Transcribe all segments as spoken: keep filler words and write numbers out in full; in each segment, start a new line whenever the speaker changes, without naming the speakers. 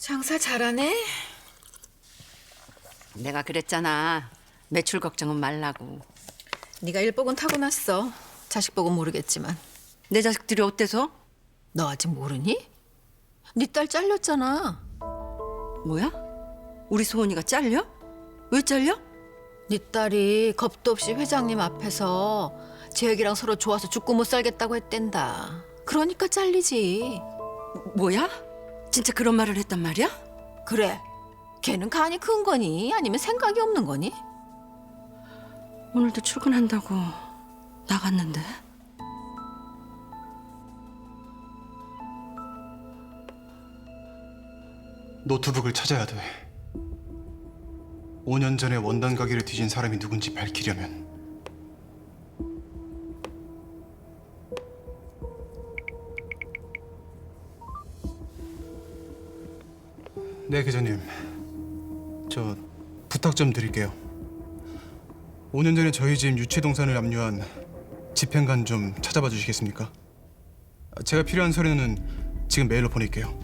장사 잘하네.
내가 그랬잖아. 매출 걱정은 말라고.
네가 일복은 타고났어. 자식 복은 모르겠지만.
내 자식들이 어때서?
너 아직 모르니? 네 딸 잘렸잖아.
뭐야? 우리 소은이가 잘려? 왜 잘려?
네 딸이 겁도 없이 회장님 앞에서 재혁이랑 서로 좋아서 죽고 못 살겠다고 했댄다. 그러니까 잘리지.
뭐야? 진짜 그런 말을 했단 말이야?
그래. 걔는 간이 큰 거니? 아니면 생각이 없는 거니?
오늘도 출근한다고 나갔는데.
노트북을 찾아야 돼. 오 년 전에 원단 가게를 뒤진 사람이 누군지 밝히려면. 네, 계장님. 저 부탁 좀 드릴게요. 오 년 전에 저희 집 유치동산을 압류한 집행관 좀 찾아봐 주시겠습니까? 제가 필요한 서류는 지금 메일로 보낼게요.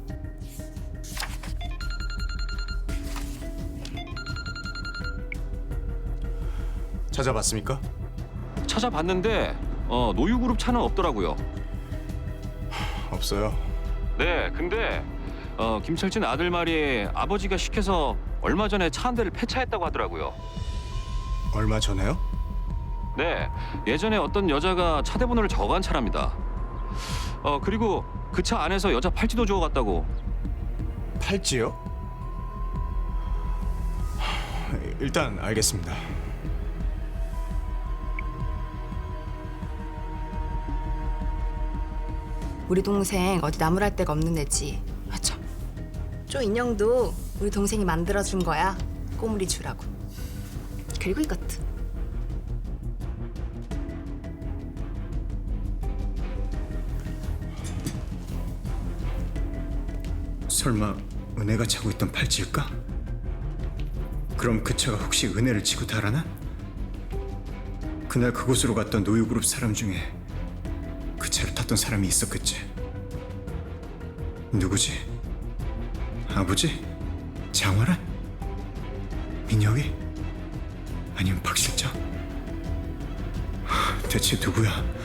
찾아봤습니까?
찾아봤는데 어, 노유그룹 차는 없더라고요.
없어요.
네, 근데 어, 김철진 아들 말이 아버지가 시켜서 얼마 전에 차 한 대를 폐차했다고 하더라고요.
얼마 전에요?
네, 예전에 어떤 여자가 차 대번호를 적어간 차랍니다. 어, 그리고 그 차 안에서 여자 팔찌도 주워갔다고.
팔찌요? 일단 알겠습니다.
우리 동생 어디 나무랄 데가 없는 애지.
아 참.
쪼 인형도 우리 동생이 만들어준 거야. 꼬물이 주라고. 그리고 이것도.
설마 은혜가 차고 있던 팔찌일까? 그럼 그 차가 혹시 은혜를 지고 달아나? 그날 그곳으로 갔던 노유그룹 사람 중에 그 차를 탔던 사람이 있었겠지. 누구지? 아버지? 장화란? 민혁이? 아니면 박 실장? 하, 대체 누구야?